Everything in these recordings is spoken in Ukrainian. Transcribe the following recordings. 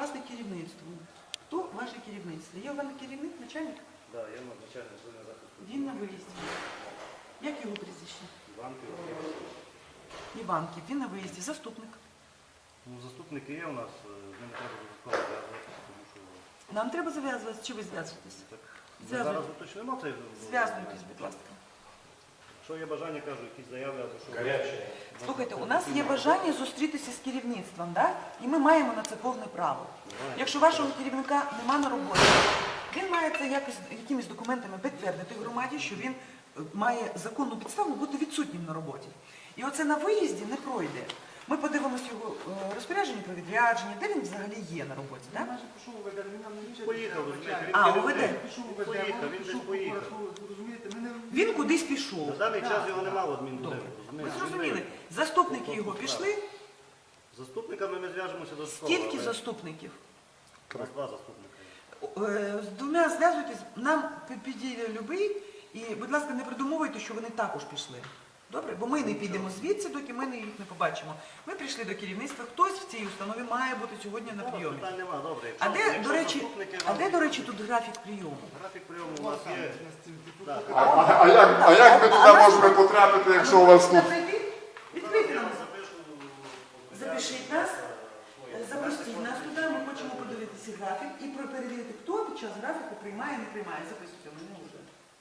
попасти керівництву. Хто ваше керівництво? Є у вас керівник, начальник? Так, я начальник зони захисту. Він на виїзді. Як його прізвище? Банки. Іванків. Він на виїзді. Заступник. Ну, заступники є у нас, з ними треба додатково зв'язуватися, тому що... Нам треба зав'язуватися. Чи ви зв'язуєтесь? Так, ми Зв'язуйтесь. зараз уточнимо цей... Зв'язуйтесь, будь ласка. Якщо є бажання, кажу, якісь заяви або що... Гаряче. Слухайте, у нас є бажання зустрітися з керівництвом, да? І ми маємо на це повне право. Якщо вашого керівника нема на роботі, він має це якимись документами підтвердити громаді, що він має законну підставу бути відсутнім на роботі. І оце на виїзді не пройде. Ми подивимося його розпорядження про відрядження, де він взагалі є на роботі. Да? Поїхав, розумієте, А, він УВД. поїхав, він десь поїхав. Він кудись пішов. На даний час його немає в адмінбудинку, Ви розумієте? зрозуміли, заступники його пішли. З заступниками ми зв'яжемося до школи. Скільки заступників? У нас 2 заступника. З двома зв'язуйтесь, нам підійде любий, і, будь ласка, не придумовуйте, що вони також пішли. Добре? Бо ми не підемо звідси, доки ми їх не побачимо. Ми прийшли до керівництва, хтось в цій установі має бути сьогодні на прийомі. Питань нема, добре. А де, Якщо до речі, заступники а вам- де, до речі, тут графік прийому? Графік прийому у нас є. Так. А як ми туди можемо потрапити, якщо у вас тут? Відкрийте нам. Запишу. Запишіть нас, запросіть нас туди, ми хочемо подивитися графік і перевірити, хто під час графіку приймає, не приймає. Записуйте, мене вже.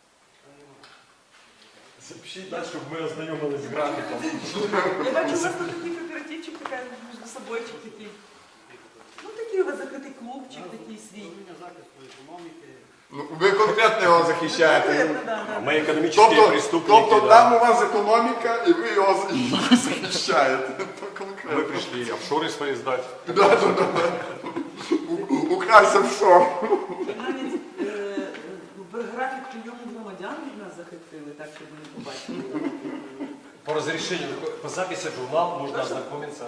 Запишіть так, щоб ми ознайомились з графіком. Я бачу, у вас тут такий кооперативчик, така між собойчик такий. Ну такий у вас закритий клубчик, такий свій. Управління захисту економіки. Ну, ви конкретно його захищаєте. Конкретно, да, да. Ми економічні преступники. Тобто там у вас економіка, і ви його захищаєте. Конкретно. Ми прийшли офшори свої здати. Да. Украсть офшор. Навіть графік прийому громадян від нас захистили, так, щоб ми не побачили. По разрешению, по записи в журнал можно ознакомиться.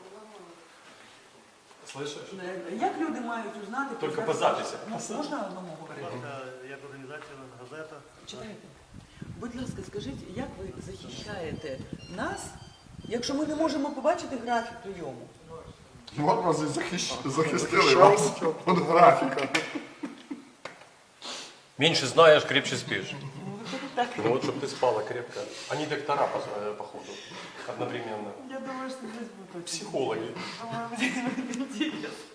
Слышишь? Як люди мають узнати? Тільки про по захист? записі. Можна одному говорити? Як організація, газета. Читайте. Будь ласка, скажіть, як ви захищаєте нас, якщо ми не можемо побачити графік прийому? От вас і захистили вас від графіка. Меньше знаешь, крепче спишь. Ну, виходить так. Ну вот, чтобы ты спала крепко. Они доктора, походу, одновременно. Я думаю, що десь будуть. Психологи. Думаю, буде інтересно.